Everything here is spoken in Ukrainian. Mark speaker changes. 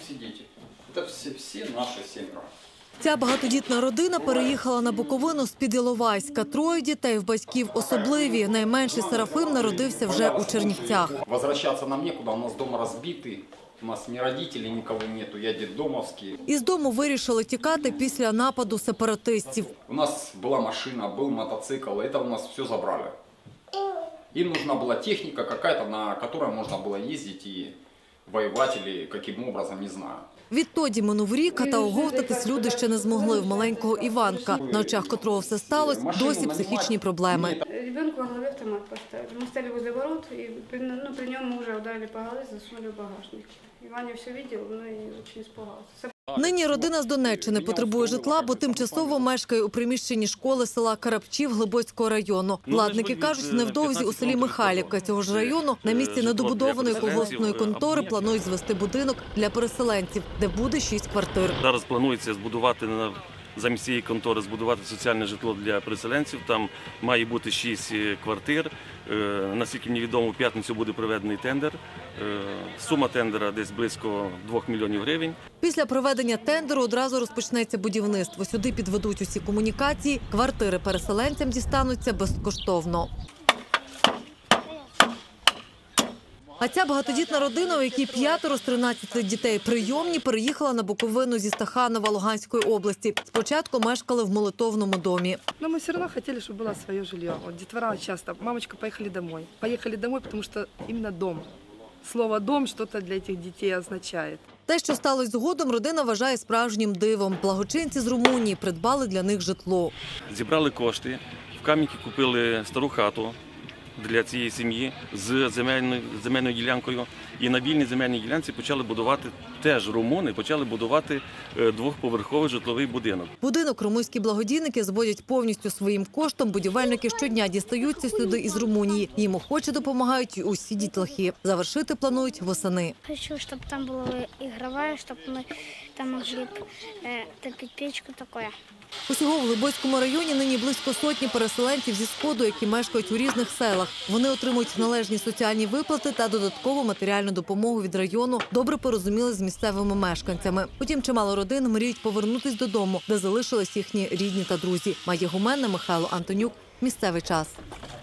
Speaker 1: все дети. Это все наши 7.
Speaker 2: Ця багатодітна родина переїхала на Буковину з-під Іловайська. 3 дітей в батьків особливі. Найменший Серафим народився вже у Чернівцях.
Speaker 1: Возвращаться нам некуда, у нас дома разбитый. У нас ни родителей, никого нету, я детдомовский.
Speaker 2: Із дому вирішили тікати після нападу сепаратистів.
Speaker 1: У нас была машина, был мотоцикл, это у нас все забрали. Им нужна была техника какая-то, на которой можно было ездить и воевать или каким образом, не знаю.
Speaker 2: Відтоді минув рік, та оговтатись люди ще не змогли. В маленького Іванка, на очах котрого все сталося, досі психічні проблеми.
Speaker 3: Ребенку во голове автомат поставили. Мы стали возле ворот, и при нем мы уже ударили по голове, засунули в багажник. Ваня все видел, но и очень испугался.
Speaker 2: Нині родина з Донеччини потребує житла, бо тимчасово мешкає у приміщенні школи села Карапчів Глибоцького району. Владники кажуть, невдовзі у селі Михайлівка цього ж району на місці недобудованої колгоспної контори планують звести будинок для переселенців, де буде 6 квартир.
Speaker 4: Зараз планується збудувати замість цієї контори соціальне житло для переселенців. Там має бути 6 квартир. Наскільки мені відомо, в п'ятницю буде проведений тендер. Сума тендера десь близько 2 мільйонів гривень.
Speaker 2: Після проведення тендеру одразу розпочнеться будівництво. Сюди підведуть усі комунікації. Квартири переселенцям дістануться безкоштовно. А ця багатодітна родина, у якій 5 з 13 дітей прийомні, переїхала на Буковину зі Стаханова Луганської області. Спочатку мешкали в молитовному домі.
Speaker 5: Но мы все равно хотели, чтобы было свое жилье. Вот детвора часто: мамочка, поехали домой. Поехали домой, потому что именно дом. Слово «дом» что-то для этих детей означает.
Speaker 2: Те, що сталося згодом, родина вважає справжнім дивом. Благочинці з Румунії придбали для них житло.
Speaker 4: Зібрали кошти, в Кам'янці купили стару хату для цієї сім'ї з земельною ділянкою. І на вільній земельній ділянці почали будувати, теж румуни, почали будувати 2-поверховий житловий будинок.
Speaker 2: Будинок румунські благодійники зводять повністю своїм коштом. Будівельники щодня дістаються сюди із Румунії. Їм охоче допомагають і усі дітлахи. Завершити планують восени.
Speaker 6: Хочу, щоб там була ігрова, щоб ми там могли топити печку таке.
Speaker 2: Усього в Глибоцькому районі нині близько сотні переселенців зі Сходу, які мешкають у різних селах. Вони отримують належні соціальні виплати та додаткову матеріальну допомогу від району, добре порозуміли з місцевими мешканцями. Потім чимало родин мріють повернутись додому, де залишились їхні рідні та друзі. Майя Гуменна, Михайло Антонюк. Місцевий час.